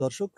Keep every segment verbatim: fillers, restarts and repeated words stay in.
দর্শক,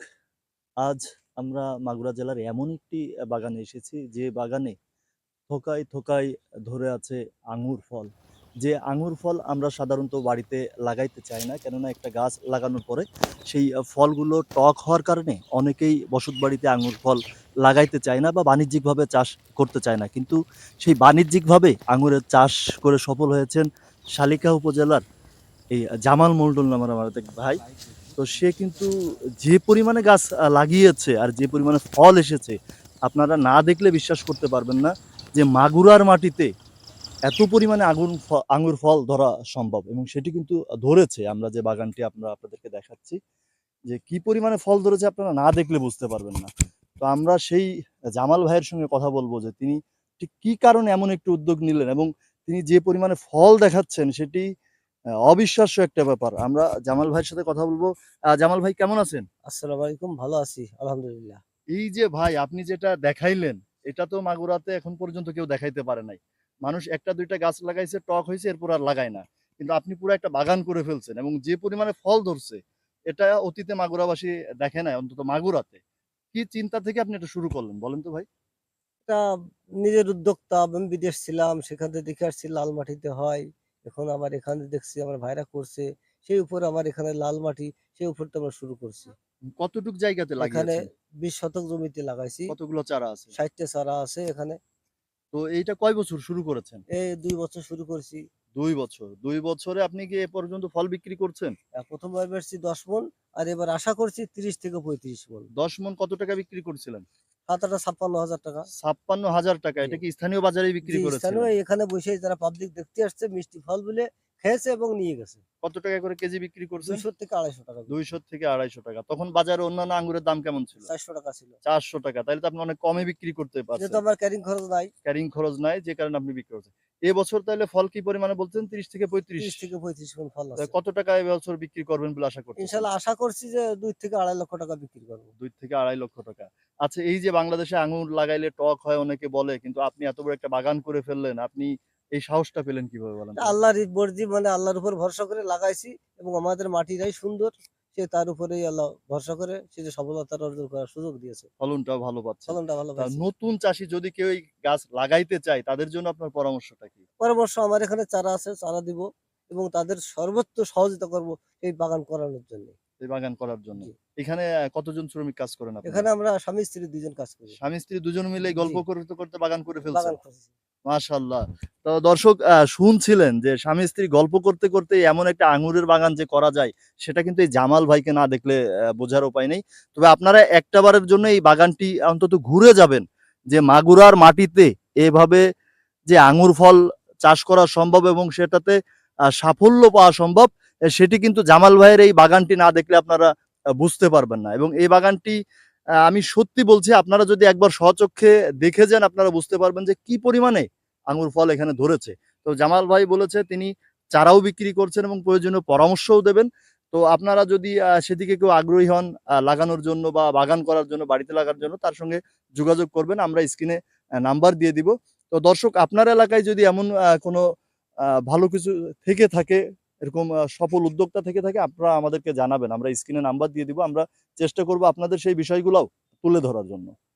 আজ আমরা মাগুরা জেলার এমন একটি আ বাগানে এসেছি, যে বাগানে থোকায়, থোকায় ধরে আছে আঙ্গুর ফল। যে আঙ্গুর ফল আমরা সাধারণত বাড়িতে লাগাইতে চাই না। কেননা একটা গাছ লাগানোর পরে সেই আ ফলগুলো টক হওয়ার কারণে অনেকেই বসতবাড়িতে আঙ্গুর ফল লাগাইতে চায় না বা বাণিজ্যিকভাবে চাষ করতে চায় না। কিন্তু সেই বাণিজ্যিকভাবে আঙ্গুরের চাষ করে সফল হয়েছেন শালিকা উপজেলার এই জামাল মন্ডল নামের আমার এক ভাই। তো সে কিন্তু যে পরিমাণে গাছ আ লাগিয়েছে আর যে পরিমাণে ফল এসেছে, আপনারা না দেখলে বিশ্বাস করতে পারবেন না যে মাগুরার মাটিতে এত পরিমাণে আগুন ফ আঙ্গুর ফল ধরা সম্ভব, এবং সেটি কিন্তু আ ধরেছে। আমরা যে বাগানটি আমরা আপনাদেরকে দেখাচ্ছি, যে কি পরিমাণে ফল ধরেছে আপনারা না দেখলে বুঝতে পারবেন না। তো আমরা সেই জামাল ভাইয়ের সঙ্গে কথা বলব যে তিনি ঠিক কি কারণে এমন একটি উদ্যোগ নিলেন, এবং তিনি যে পরিমাণে ফল দেখাচ্ছেন সেটি আ অবিশ্বাস্য একটা ব্যাপার। আমরা জামাল ভাইয়ের সাথে কথা বলব। আ জামাল ভাই কেমন আছেন? আসসালামু আলাইকুম। ভালো আছি আলহামদুলিল্লাহ। এই যে ভাই আপনি যেটা দেখাইলেন, এটা তো মাগুরাতে এখন পর্যন্ত কেউ দেখাইতে পারে নাই। মানুষ একটা দুই টা গাছ লাগাইছে, টক হইছে, এরপর আর লাগায় না। কিন্তু আপনি পুরা একটা বাগান করে ফেলছেন, এবং যে পরিমাণে ফল ধরছে, এটা অতীতে মাগুরাবাসী দেখে নাই, অন্তত মাগুরাতে। কি চিন্তা থেকে আপনি এটা শুরু করলেন বলেন তো ভাই? এটা নিজের উদ্যোক্তা। আমি বিদেশ ছিলাম, সেখান থেকে দেখে আসছি লাল মাটিতে হয়। এখন আবার এখানে দেখছি আমার ভাইরা করছে। সেই উপরে আমার এখানে লাল মাটি, সেই উপরটা আমরা শুরু করছি। কতটুক জায়গাতে এখানে লাগিয়েছেন? বিশ শতক জমিতে লাগাইছি। কতগুলো চারা আছে? ষাট টা চারা আছে এখানে। তো এইটা কয় বছর শুরু করেছেন? এই দুই বছর শুরু করছি। দুই বছর। দুই বছরে আপনি কি এ পর্যন্ত ফল বিক্রি করছেন? আ প্রথম বার বেচছি দশ মণ, আর এবার আশা করছি ত্রিশ থেকে পঁয়ত্রিশ মণ। দশ মণ কত টাকা বিক্রি করছিলেন? সাত আটা ছাপ্পান্ন হাজার টাকা। ছাপ্পান্ন হাজার টাকা। জি। এটা কি স্থানীয় বাজারেই বিক্রি জি, স্থানীয় করেছিলেন? এখানে বসেই যারা পাবলিক দেখতে আসছে মিষ্টি ফল বলে খেয়েছে এবং নিয়ে গেছে। কত টাকা করে কেজি বিক্রি করছেন? দুইশ থেকে আড়াইশ টাকা বিক্রি। দুইশ থেকে আড়াইশ টাকা। তখন বাজারে অন্যান্য আঙ্গুরের দাম কেমন ছিল? চারশ টাকা ছিল। চারশ টাকা। তাইলে তো আপনি অনেক কমে বিক্রি করতে যেহেতু পারছেন। আমার ক্যারিং খরচ নাই। ক্যারিং খরচ নাই, যে কারণে আপনি বিক্রি করছেন। এবছর তাইলে ফল কি পরিমাণে বলছেন? ত্রিশ থেকে পঁয়ত্রিশ। ত্রিশ থেকে পঁয়ত্রিশ মণ ফল তা আছে। কত টাকা এবছর বিক্রি করবেন বলে আশা করতেছেন? ইনশাআল্লাহ আশা করছি যে দুই থেকে আড়াই লক্ষ টাকা বিক্রি করব। দুই থেকে আড়াই লক্ষ টাকা। আচ্ছা, এই যে বাংলাদেশে আঙ্গুর লাগাইলে টক হয় অনেকে বলে, কিন্তু আপনি এত বড় একটা বাগান করে ফেললেন। আপনি এই সাহসটা পেলেন কিভাবে বলেন তো? আল্লাহর ই মর্জি, মানে আল্লাহর উপর ভরসা করে লাগাইছি এবং আমাদের মাটিটাই সুন্দর। সে তার উপরেই আল্লাহ ভরসা করে সে যে সফলতা অর্জন করার সুযোগ দিয়েছে। ফলনটাও ভালো পাচ্ছেন। ফলনটা ভালো তা পাইছি। নতুন চাষী যদি কেউ এই গাছ লাগাইতে চায়, তাদের জন্য আপনার পরামর্শটা কি? পরামর্শ, আমার এখানে চারা আছে, চারা দিব এবং তাদের সর্বোচ্চ সহযোগিতা করব এই বাগান করানোর জন্য। এই বাগান করার জন্য। জি। এখানে আ কতজন শ্রমিক কাজ করেন আপনারা? এখানে আমরা স্বামী-স্ত্রী দুই জন কাজ করি। স্বামী-স্ত্রী দুজন মিলেই জি, গল্প করতে, করতে বাগান করে ফেলছেন। বাগান করেছি। মাশাআল্লাহ। তো দর্শক, আ শুনছিলেন যে স্বামী-স্ত্রী গল্প করতে, করতে এমন একটা আঙ্গুরের বাগান যে করা যায়, সেটা কিন্তু এই জামাল ভাইকে না দেখলে অ্যা বোঝার উপায় নেই। তবে আপনারা একটা বারের জন্য এই বাগানটি অন্তত ঘুরে যাবেন, যে মাগুরার মাটিতে এভাবে যে আঙ্গুর ফল চাষ করা সম্ভব এবং সেটাতে আ সাফল্য পাওয়া সম্ভব, এ সেটি কিন্তু জামাল ভাইয়ের এই বাগানটি না দেখলে আপনারা আ বুঝতে পারবেন না। এবং এই বাগানটি আ আমি সত্যি বলছি, আপনারা যদি একবার স্বচক্ষে দেখে যান, আপনারা বুঝতে পারবেন যে কি পরিমাণে আঙ্গুর ফল এখানে ধরেছে। তো জামাল ভাই বলেছে তিনি চারাও বিক্রি করছেন এবং প্রয়োজনীয় পরামর্শও দেবেন। তো আপনারা যদি আ সেদিকে কেউ আগ্রহী হন আ লাগানোর জন্য বা বাগান করার জন্য, বাড়িতে লাগার জন্য, তার সঙ্গে যোগাযোগ করবেন। আমরা স্ক্রিনে আ নাম্বার দিয়ে দিব। তো দর্শক, আপনার এলাকায় যদি এমন আ কোনো আ ভালো কিছু থেকে থাকে, এরকম আ সফল উদ্যোক্তা থেকে থাকে, আপনারা আমাদেরকে জানাবেন। আমরা স্ক্রিনে নাম্বার দিয়ে দিব। আমরা চেষ্টা করব আপনাদের সেই বিষয়গুলাও তুলে ধরার জন্য।